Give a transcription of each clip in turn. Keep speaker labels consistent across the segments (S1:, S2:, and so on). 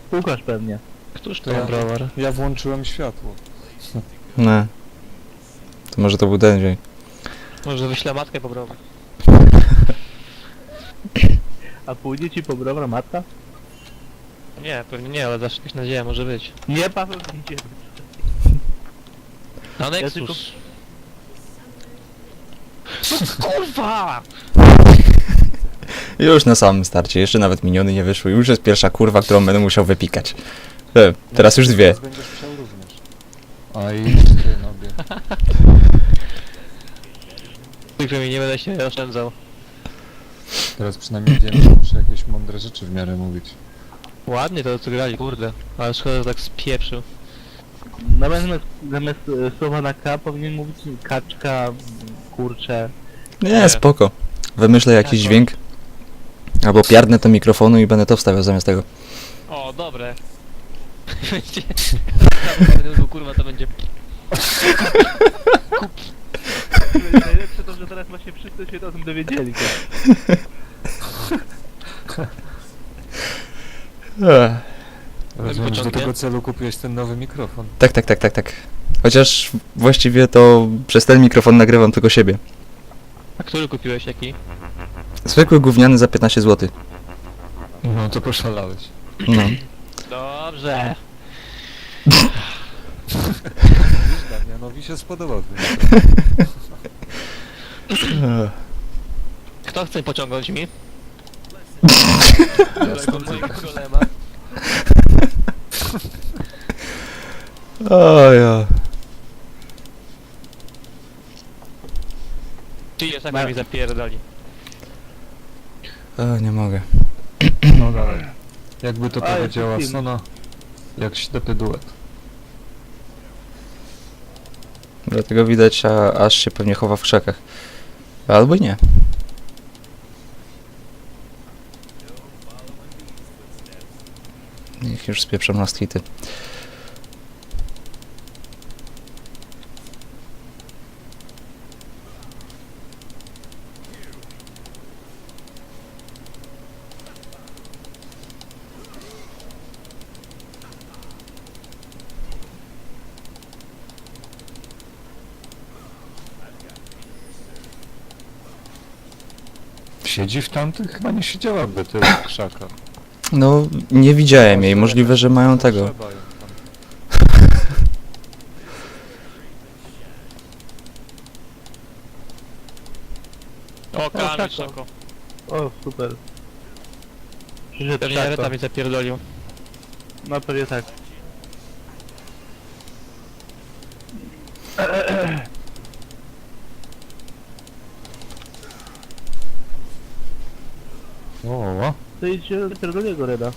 S1: Łukasz pewnie.
S2: Któż
S3: To
S2: to
S3: ja-
S2: browar?
S3: Ja włączyłem światło.
S4: No. To może to był ten dźwięk.
S2: Może wyślę matkę po browar.
S1: A pójdzie ci po browar matka?
S2: Nie, pewnie nie, ale zawsze jakaś nadzieja może być.
S1: Nie, Paweł, nie idzie.
S2: Na Nexus!
S1: tylko-
S2: Kurwa!
S4: Już na samym starcie, jeszcze nawet miniony nie wyszły. Już jest pierwsza kurwa, którą będę musiał wypikać. Teraz już dwie.
S3: Teraz będziesz musiał również. A i ty, nobie.
S2: Tylko mi nie będę się oszczędzał.
S3: Teraz przynajmniej wiem, że muszę jakieś mądre rzeczy w miarę mówić.
S2: Ładnie to co grali, kurde. Ale szkoda, że tak spieprzył.
S1: Zamiast słowa na K powinien mówić kaczka, kurcze.
S4: Nie, spoko. Wymyślę jakiś dźwięk. Albo piardnę do mikrofonu i będę to wstawiał zamiast tego.
S2: O, dobre. Będzie... kurwa, to będzie...
S1: Najlepsze to, że teraz właśnie wszyscy się o tym dowiedzieli.
S3: Rozumiem, że do
S2: początkiem?
S3: tego celu kupiłeś ten nowy mikrofon.
S4: Tak. Chociaż właściwie to przez ten mikrofon nagrywam tylko siebie.
S2: A który kupiłeś, jaki?
S4: Zwykły gówniany za 15 zł.
S3: No to poszalałeś.
S4: No.
S2: Dobrze.
S3: Damianowi się spodobał.
S2: Kto chce pociągnąć mi?
S3: Ja stąd
S2: Golema.
S4: O ja.
S2: Czy jest jak mi zapierdoli?
S4: O, nie mogę.
S3: No dalej. Jakby to
S1: A,
S3: powiedziała
S1: jest film.
S3: Sona, jak ślepy duet.
S4: Dlatego widać, aż się pewnie chowa w krzakach. Albo i nie. Niech już spieprzą na hity.
S3: Siedzi w tamtych? Chyba nie siedziałaby tyle w krzakach.
S4: No, nie widziałem jej. Możliwe, że mają tego.
S3: Trzeba ją tam.
S2: O, Kamil
S1: tak,
S2: szoko.
S1: O, super. Przyszedł
S2: Pewnie
S1: Szako.
S2: Reta mi zapierdolił.
S1: No pewnie tak.
S3: O.
S1: To idzie do pierdolego Reda.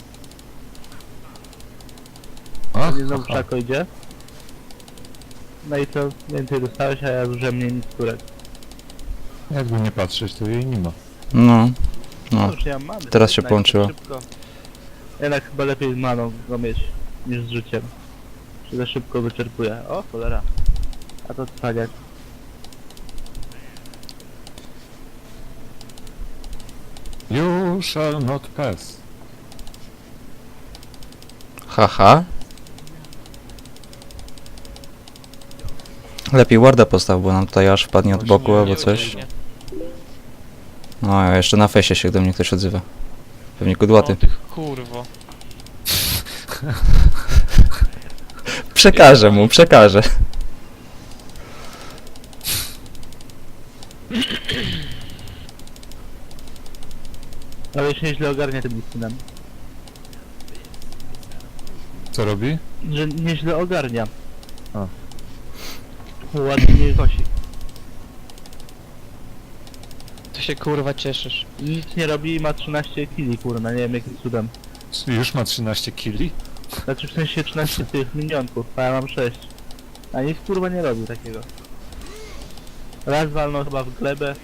S3: Ach,
S1: Nie znowu
S3: aha.
S1: Szako idzie. No i co? Więcej dostałeś, a ja zużyłem mniej niż turek.
S3: Jakby nie patrzeć, to jej nie ma.
S4: No. No.
S1: Już ja mam.
S4: teraz się połączyło.
S1: Szybko. Jednak chyba lepiej z maną go mieć niż z życiem. Czy za szybko wyczerpuje. O cholera. A to cwaniak.
S3: You shall not pass.
S4: Haha. Lepiej warda postaw, bo nam tutaj aż wpadnie od boku albo coś. No, a jeszcze na fejsie się do mnie ktoś odzywa. Pewnie kudłaty.
S2: O, tych kurwo.
S4: Przekażę mu, przekażę.
S1: Ale się nieźle ogarnia tym listynem.
S3: Co robi?
S1: Że nieźle ogarnia.
S3: A.
S1: Ładnie nie kosi.
S2: Ty się kurwa cieszysz.
S1: Nic nie robi i ma 13 kili, kurna, nie wiem jakim cudem.
S3: Już ma 13 kili?
S1: Znaczy w sensie 13 tych minionków, a ja mam 6. A nic kurwa nie robi takiego. Raz walnął chyba w glebę.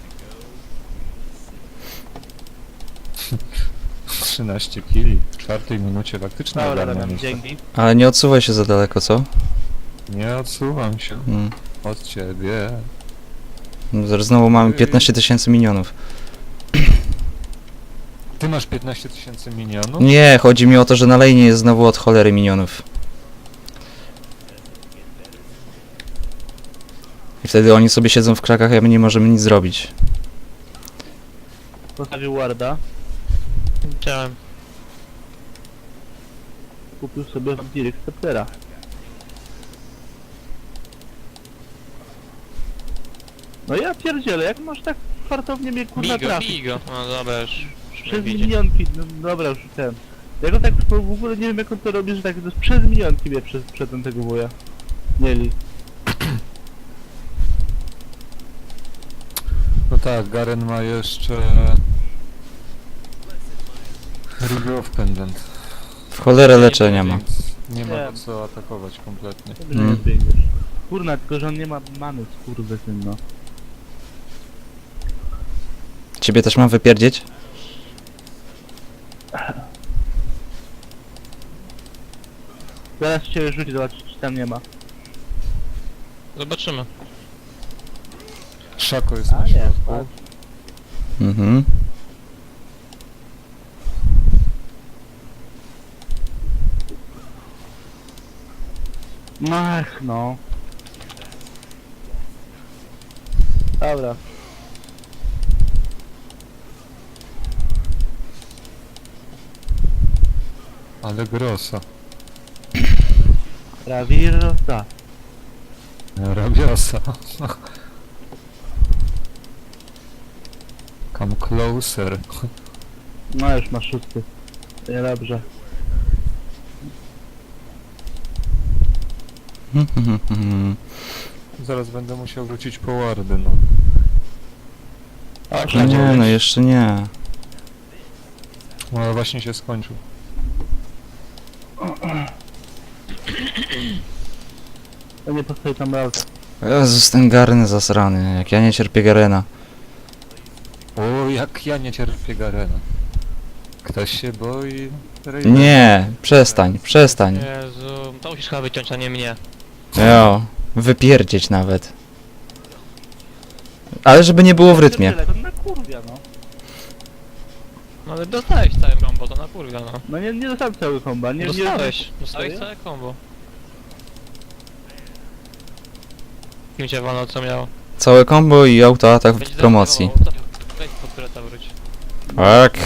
S3: 13 kili. W 4 minucie faktycznie
S1: Dobra,
S3: ogarnia
S1: Damian,
S3: nieźle.
S1: dzięki.
S4: Ale nie odsuwaj się za daleko, co?
S3: Nie odsuwam się
S4: Mm.
S3: od ciebie.
S4: No, zaraz znowu mamy 15 000 minionów.
S3: Ty masz 15 000 minionów?
S4: Nie, chodzi mi o to, że na lane jest znowu od cholery minionów. I wtedy oni sobie siedzą w krakach, a my nie możemy nic zrobić.
S1: Postawił warda,
S2: Chciałem.
S1: kupił sobie Direct Sceptera. No ja pierdzielę, jak masz tak fartownie mnie kurna trafić?
S2: Bigo. No dobra, już mnie
S1: Przez
S2: widzi.
S1: minionki, no dobra już ten. Jak on tak w ogóle nie wiem jak on to robi, że tak to przez minionki mnie przed tego wuja. Mieli.
S3: No tak, Garen ma jeszcze... Regrowth Pendant.
S4: W cholerę leczenia ma.
S3: Więc nie ma
S1: Nie.
S3: po co atakować kompletnie.
S1: Dobrze
S4: Mm.
S1: nie biegniesz. Kurna, tylko że on nie ma many, skurwysyn, no.
S4: Ciebie też mam wypierdzieć?
S1: Zaraz cię rzuci, zobacz czy tam nie ma.
S2: Zobaczymy.
S3: Szako jest na
S1: A nie,
S3: środku.
S4: Mhm.
S1: Ach, no. Dobra.
S3: Ale grossa.
S1: Ravirrosa.
S3: Rabiosa. Come closer.
S1: No już masz szósty. Nie dobrze.
S3: Zaraz będę musiał wrócić po wardy, no.
S1: O,
S4: No nie, no jeszcze nie.
S3: No ale właśnie się skończył.
S1: to nie postoi tam raz.
S4: Jezus, ten Garen zasrany, jak ja nie cierpię Garena.
S3: O, jak ja nie cierpię Garena. Ktoś się boi... Raidera.
S4: Nie, przestań, przestań.
S2: Jezu, to musisz chyba wyciąć, a nie mnie.
S4: Jo, wypierdzieć nawet. Ale żeby nie było w rytmie.
S1: To na kurwia, no.
S2: No ale dostałeś całe combo, to na kurwa, no.
S1: No nie dostałem całego komba, nie
S2: Dostałeś
S1: Serio?
S2: całe combo. Kim cię wolno co miało?
S4: Całe combo i autoatak w
S2: Będzie
S4: promocji.
S2: zaatakował, to wejdź pod tureta wróć.
S4: Tak.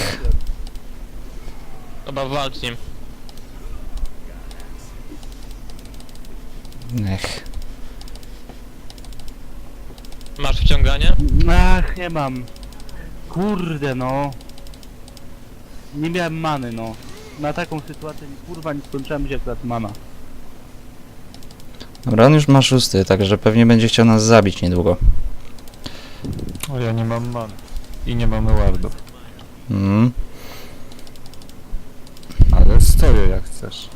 S2: Dobra, walcz z nim.
S4: Ech.
S2: Masz wciąganie?
S1: Ach, nie mam. Kurde, no. Nie miałem many, no. Na taką sytuację kurwa nie skończyłem się akurat mana.
S4: Dobra, on już ma szósty, także pewnie będzie chciał nas zabić niedługo.
S3: O, ja nie mam man. I nie mamy wardów.
S4: Mm.
S3: Ale stoję jak chcesz.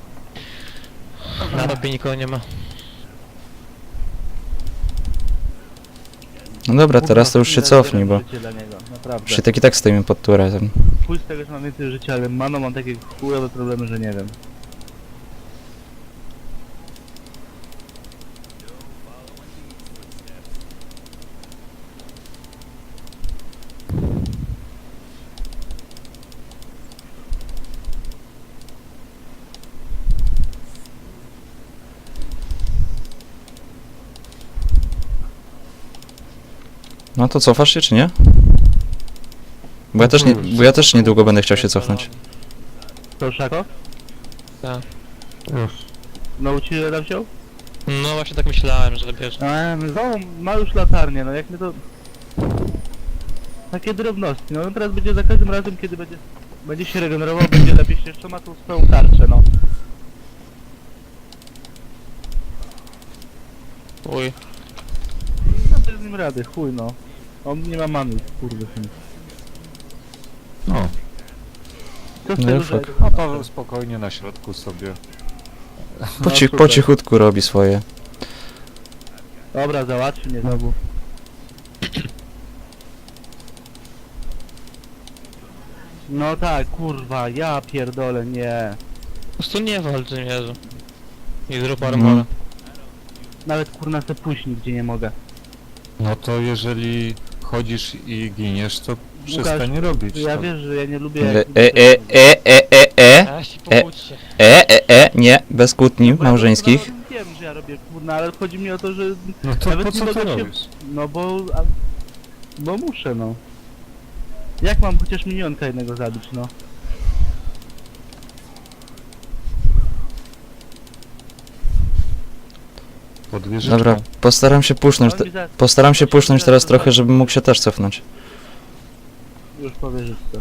S2: Na topie nikogo nie ma.
S4: No dobra, teraz to już się
S1: Kurwa,
S4: cofnij, bo
S1: życie dla niego, naprawdę.
S4: już się tak i tak stoimy pod turetem.
S1: Chuj z tego, że mam więcej życia, ale maną mam takie chujowe problemy, że nie wiem.
S4: No to cofasz się, czy nie? Bo ja też niedługo będę chciał się cofnąć.
S1: To Szako?
S2: Tak.
S3: Już.
S1: No ci Reda wziął?
S2: No właśnie tak myślałem, że wiesz.
S1: Znowu ma już latarnię, no jak my to... Takie drobności, no teraz będzie za każdym razem, kiedy będzie się regenerował, będzie lepiej się jeszcze ma tą swoją tarczę, no.
S2: Uj.
S1: No bez nim rady, chuj no. On nie ma many, kurde syn.
S3: No.
S1: Co z
S4: No
S1: tego,
S4: już
S1: że...
S4: tak.
S3: A Paweł spokojnie na środku sobie.
S1: No, super.
S4: Po cichutku robi swoje.
S1: Dobra, załatwi mnie znowu. No tak, kurwa, ja pierdolę, nie.
S2: Po prostu nie walcz z nim, Jezu. I zrób
S4: Mhm.
S2: armora.
S1: Nawet kurna se pójść nigdzie nie mogę.
S3: No to jeżeli chodzisz i giniesz, to Przestań robić.
S1: Ja
S3: to.
S1: wiesz, że ja nie lubię...
S4: E,
S1: jak-
S2: A się
S1: No
S2: pokłóćcie.
S4: nie, bez kłótni
S1: Bo ja
S4: małżeńskich.
S1: doskonale wiem, że ja robię kurna, ale chodzi mi o to, że...
S3: No to
S1: Nawet
S3: po
S1: nie
S3: co to
S1: mogę się-
S3: robisz?
S1: No bo... Bo muszę, no. Jak mam chociaż minionka jednego zabić, no?
S3: Pod wieżyczką.
S4: Dobra, postaram się pusznąć.
S1: On mi za-
S4: Postaram się pusznąć teraz trochę, żebym mógł się też cofnąć.
S1: Już powierzyć to.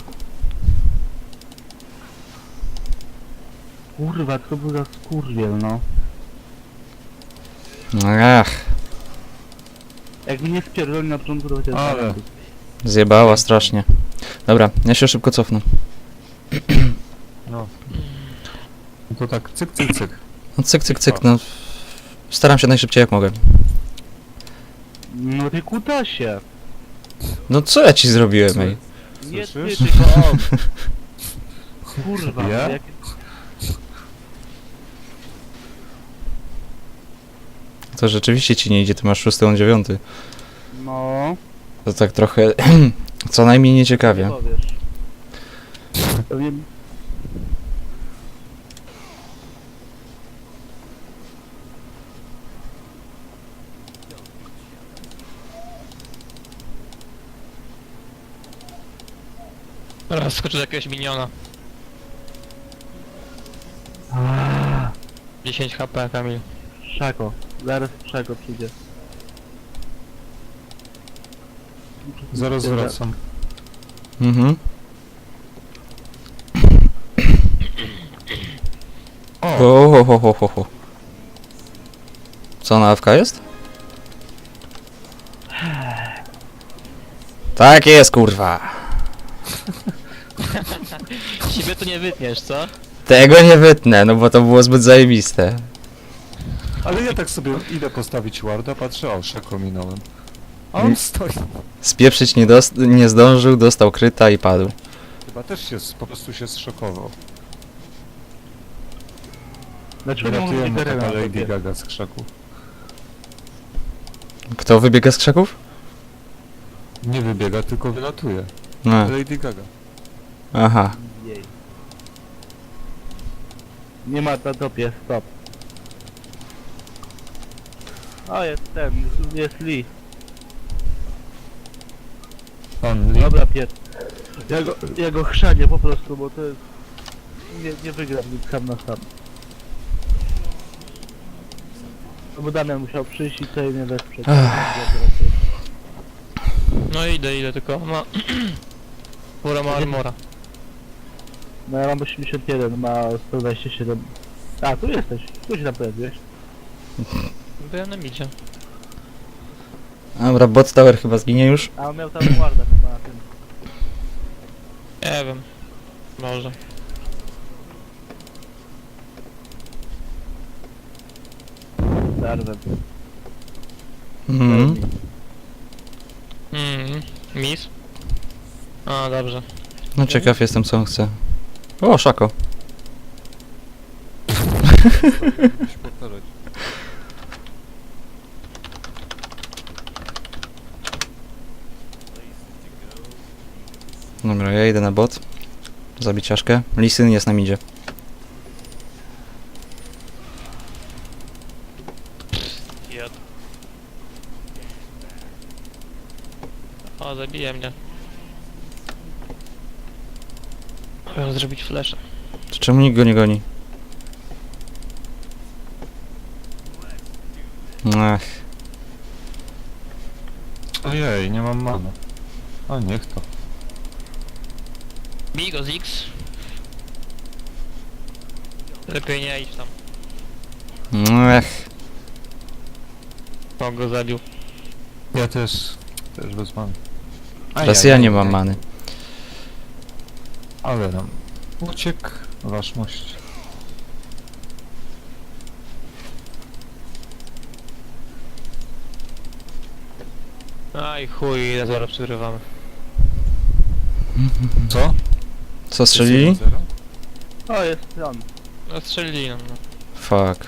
S1: Kurwa, to był za skurwiel, no.
S4: Ach,
S1: Jak mnie spierdoli na początku, to chociaż...
S3: Ale.
S4: zjebała strasznie. Dobra, ja się szybko cofnę.
S3: No. No to tak, cyk, cyk, cyk.
S4: No cyk, cyk, cyk, no. Staram się najszybciej jak mogę.
S1: No ty kutasie!
S4: No co ja ci zrobiłem, ej?
S1: Nie ty,
S3: Słyszysz?
S1: tylko on! Kurwa,
S3: Ja?
S1: no jak...
S4: To rzeczywiście ci nie idzie, ty masz 6, on 9.
S1: No...
S4: To tak trochę... co najmniej nieciekawie.
S1: Nie powiesz. Pewnie...
S2: Teraz skoczę do jakiegoś miniona. 10 HP, Kamil.
S1: Szako. Zaraz Szako przyjdzie.
S3: Zaraz wracam.
S4: Mhm.
S3: O!
S4: Ho. Co, na AFK jest? Tak jest, kurwa.
S2: Siebie tu nie wytniesz, co?
S4: Tego nie wytnę, no bo to było zbyt zajebiste.
S3: Ale ja tak sobie idę postawić warda, patrzę, o, Szako minąłem. A on stoi.
S4: Spieprzyć nie zdążył, dostał kryta i padł.
S3: Chyba też się, po prostu się zszokował.
S1: Dlaczego nie mówię
S3: Wyratujemy
S1: Garena
S3: taka
S1: na
S3: Lady
S1: tobie?
S3: Gaga z krzaku.
S4: Kto wybiega z krzaków?
S3: Nie wybiega, tylko wylatuje.
S4: No.
S3: Lady Gaga.
S4: Aha.
S1: Jej. Nie ma na topie, stop. O, jest ten, jest Lee.
S3: Pan Lee.
S1: Dobra, pier... Ja go chrzanię po prostu, bo to jest... Nie wygram nic sam na sam. No bo Damian musiał przyjść i tutaj mnie wesprzeć.
S2: No idę, tylko ma... Pura ma armora.
S1: No ja mam 81, ma 127. A, tu jesteś. Tu się tam pojawiłeś.
S2: Byłem na midzie.
S4: Dobra, bot tower chyba zginie już.
S1: A on miał tam warda chyba na tym.
S2: Nie wiem. Może.
S1: Darwem.
S4: Mhm.
S2: Miss? A, dobrze.
S4: No ciekaw jestem co on chce. O, Szako. Dobra, ja idę na bot. Zabić czaszkę. Lisyn jest na midzie.
S2: Jad. O, zabije mnie. Chciałem zrobić flasha.
S4: To czemu nikt go nie goni? Ach,
S3: Ojej, nie mam mana. A niech to.
S2: Bij go z X. Lepiej nie idź tam.
S4: ach.
S2: On go zabił.
S3: Ja też bez many.
S4: Teraz ja nie mam many.
S3: Ale nam uciekł wasz mość.
S2: Aj chuj, zaraz przegrywamy.
S3: Co?
S4: Co strzelili?
S1: O, jest on.
S2: No strzelili nam, no.
S4: Fuck.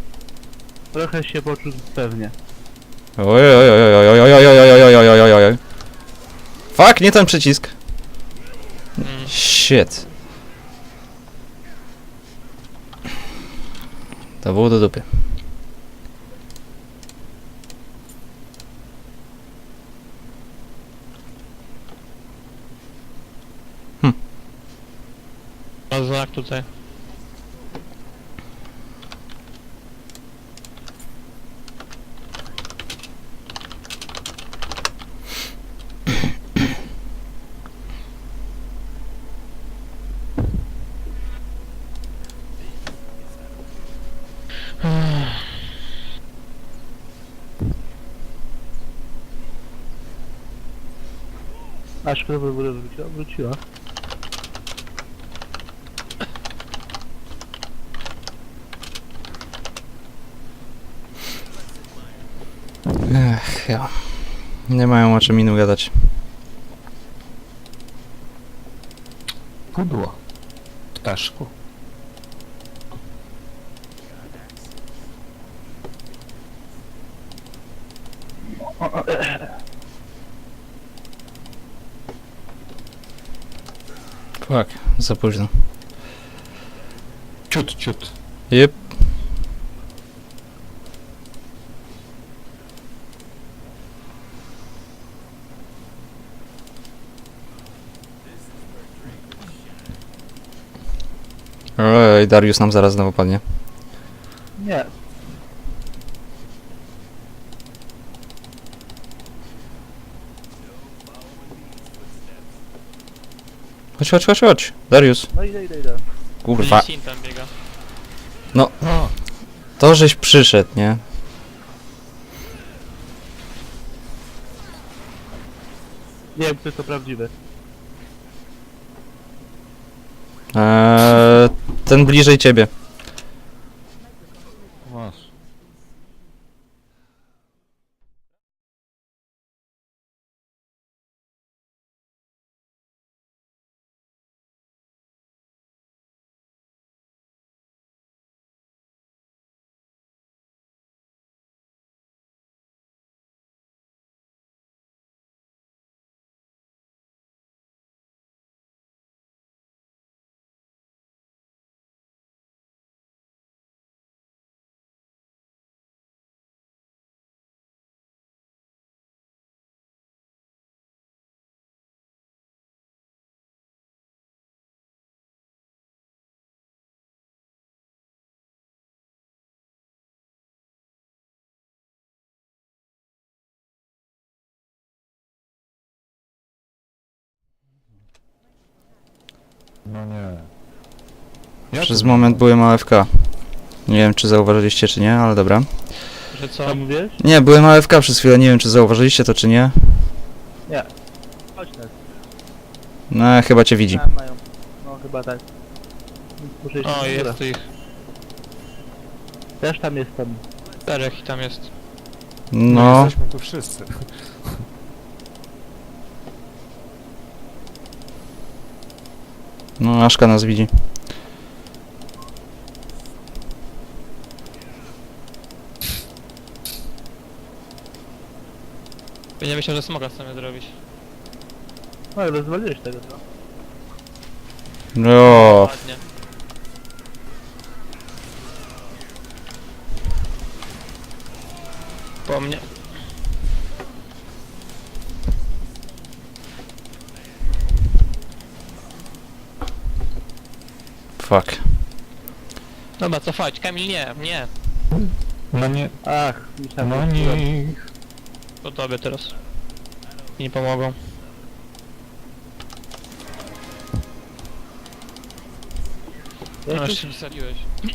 S1: Trochę się poczuł pewnie.
S4: Oj. Fuck, nie ten przycisk.
S2: Mm.
S4: Shit. To było do dupy.
S2: Ma znak tutaj.
S1: Aż kto w ogóle wróciła? Wróciła.
S4: Ech, ja. Nie mają o czym innym gadać.
S3: Pudło. Ptaszku.
S4: Fuck, za późno.
S3: Ciut, ciut.
S4: Jep. Ej, Darius nam zaraz znowu padnie.
S1: Nie.
S4: Chodź, chodź, chodź, chodź. Darius.
S1: No idę.
S4: Kurwa.
S2: Sin tam biega.
S4: No. To żeś przyszedł, nie?
S1: Nie wiem, czy to prawdziwe.
S4: Ten bliżej ciebie.
S3: Masz. No nie. Ja
S4: Przez
S3: tu-
S4: moment byłem AFK. Nie wiem, czy zauważyliście, czy nie, ale dobra.
S2: Że co?
S1: Co mówisz?
S4: Nie, byłem AFK przez chwilę, nie wiem, czy zauważyliście to, czy nie.
S1: Chodź nas.
S4: No, chyba cię widzi.
S1: Tam mają. No chyba tak. Muszę iść
S2: O,
S1: na górę.
S2: jest tu ich.
S1: Też tam jestem.
S2: 4 i tam jest.
S4: No,
S3: Jesteśmy tu wszyscy.
S4: no, Aszka nas widzi.
S2: Nie myślał, że smoka chcemy zrobić.
S1: No rozwaliłeś tego, co?
S4: No,
S2: Ładnie. Po mnie.
S4: fuck.
S2: Dobra, cofać. Kamil, nie, nie.
S3: No nie.
S1: Ach, myślałem,
S3: No
S1: że-
S3: nie.
S2: To tobie teraz. Nie pomogą. No
S1: Jesteś?
S2: jeszcze wsadziłeś.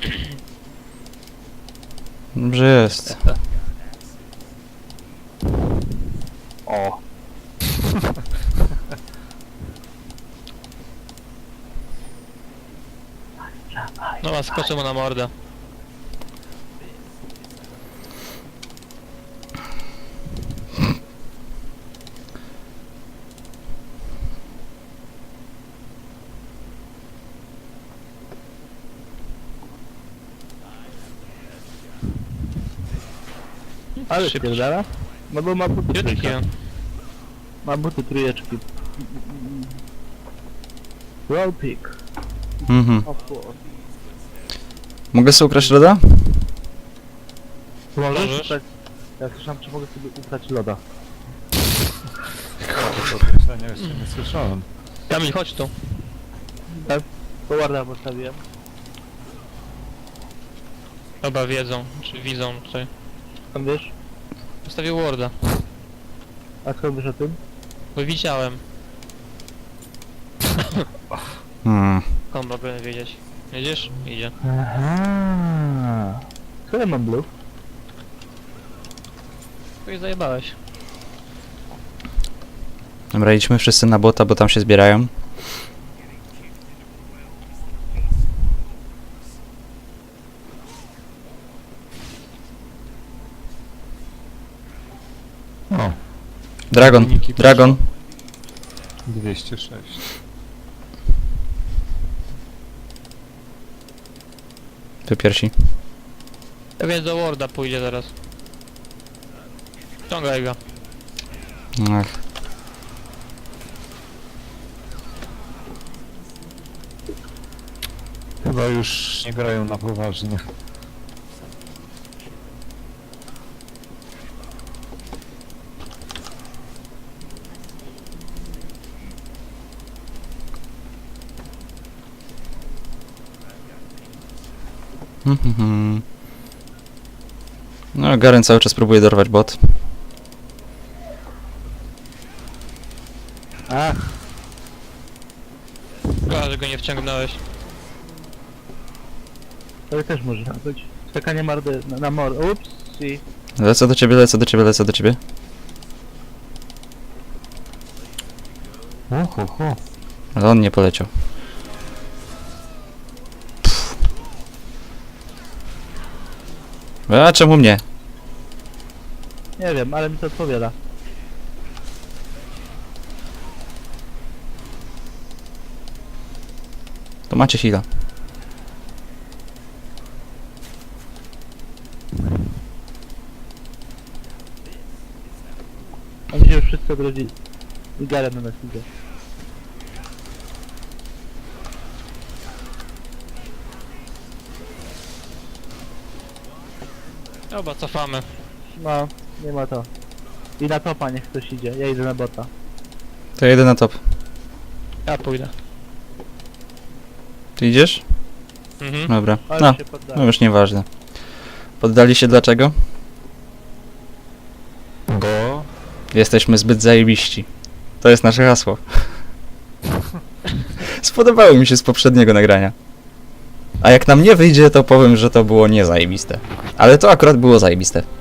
S4: Dobrze jest.
S1: O.
S2: Dobra, skoczę mu na mordę.
S1: Ale
S2: Szybko.
S1: spierdala? No bo ma buty
S2: Jaki
S1: trójka.
S2: on?
S1: Ma buty trójeczki. Roll pick.
S4: Mhm.
S1: Of course.
S4: Mogę sobie ukraść loda?
S1: Możesz
S2: Możesz.
S1: ukrać... Ja słyszałem, czy mogę sobie ukrać loda.
S3: To określenia jeszcze nie słyszałem.
S2: Kamil, chodź tu.
S1: Tak? To warda postawiłem.
S2: Chyba wiedzą, czy widzą tutaj.
S1: Skąd wiesz?
S2: Postawił warda,
S1: A skąd wiesz o tym?
S2: bo widziałem.
S4: Hmm.
S2: Mogę wiedzieć. Jedziesz? Idzie.
S1: Aha. Co ja mam blue?
S2: Tu je zajebałeś.
S4: Dobra, idźmy wszyscy na bota, bo tam się zbierają.
S3: O,
S4: Dragon,
S3: Wyniki
S4: Dragon.
S3: 206.
S4: Tu piersi.
S2: Ja więc do warda pójdzie zaraz. Ciągaj go.
S4: Ach.
S3: Chyba już nie grają na poważnie.
S4: No, Garen cały czas próbuje dorwać bot.
S1: Ach,
S2: Szkoda, że go nie wciągnąłeś.
S1: to też może być. Czekanie mardy na mor... Ups, i...
S4: Lecę do ciebie, lecę do ciebie, lecę do ciebie.
S3: Ho.
S4: Ale on nie poleciał. A czemu mnie?
S1: Nie wiem, ale mi to odpowiada.
S4: To macie heal'a.
S1: Oni się już wszyscy odrodzili. I Garen na nas idzie.
S2: Dobra, cofamy.
S1: No, nie ma to. I na topa niech ktoś idzie, ja idę na bota.
S4: To ja jedę na top.
S2: Ja pójdę.
S4: Ty idziesz?
S2: Mhm.
S4: Dobra.
S1: Ale
S4: No,
S1: się
S4: no
S1: poddałem.
S4: już nieważne. Poddali się dlaczego?
S3: Bo...
S4: Jesteśmy zbyt zajebiści. To jest nasze hasło. Spodobało mi się z poprzedniego nagrania. A jak nam nie wyjdzie, to powiem, że to było niezajebiste. Ale to akurat było zajebiste.